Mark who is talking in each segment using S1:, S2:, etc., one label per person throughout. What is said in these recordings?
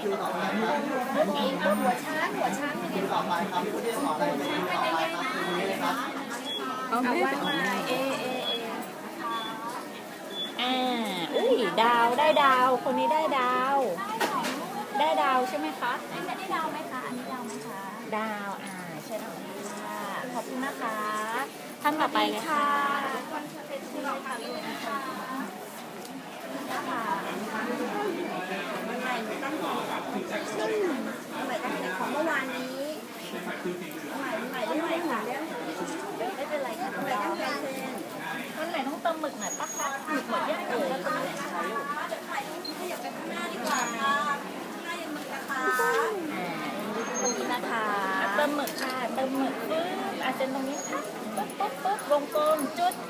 S1: คิวต่อไปครับ
S2: หัวช้าง
S1: คิวต่อไปครับผู้ที่ขออะไรคิวต่อไปครับตรงนี้เลยครับ
S2: เอาไว้มาอุ้ยดาวได้ดาวคนนี้ได้ดาวได้ดาวใช่ไหมคะได้ดาวไหมคะอันนี้ดาวไหมคะดาวใช่ดาวค่ะขอบคุณนะคะท่านต่อไปเลยค่ะ
S3: มันใหม่ตั้งของเมื่อวานนี้ใหม่ได้ไหมค่ะ
S2: ไม่เป็นไรค่ะน้องดาวมันไหนต้องเติมหมึกหน่อยปะคะหมึกหมดยังเอ่ยขอบคุณนะคะเติมหมึกค่ะเติมหมึกปึ๊บอาจจะตรงนี้ค่ะปึ๊บวงกลมจุด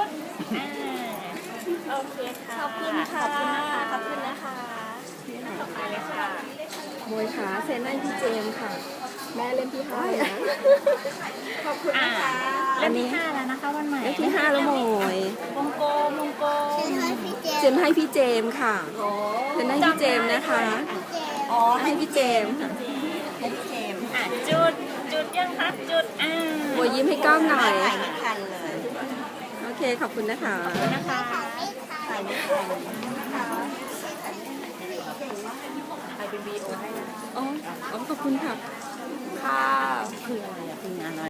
S2: โอเคค่ะขอบคุณค่ะขอบคุณนะคะต่อไปเลยค่ะ
S3: มวยขาเซ็นให้พี่เจมค่ะแม่เล่นที่5ขอบคุณนะคะ
S2: เล่มที่5แล้วนะคะวันใหม่
S3: เล่มที่5แล้วมว
S2: ยวงกลม
S3: เซ็นให้พี่เจมค่ะเซ็นให้พี่เจมนะคะให้พี่เจมให้พี่เจม
S2: จุดยังคะจุด
S3: มวยยิ้มให้กล้องหน่อย
S1: ถ่ายไม่ทันเลย
S3: โอเคขอบคุณนะคะ
S1: ถ่ายไม่ทัน
S2: ถ่ายเป็นวีดีโอให้นะ
S3: อ๋อขอบคุณค่ะ
S2: คืออะไรคืองานอะไร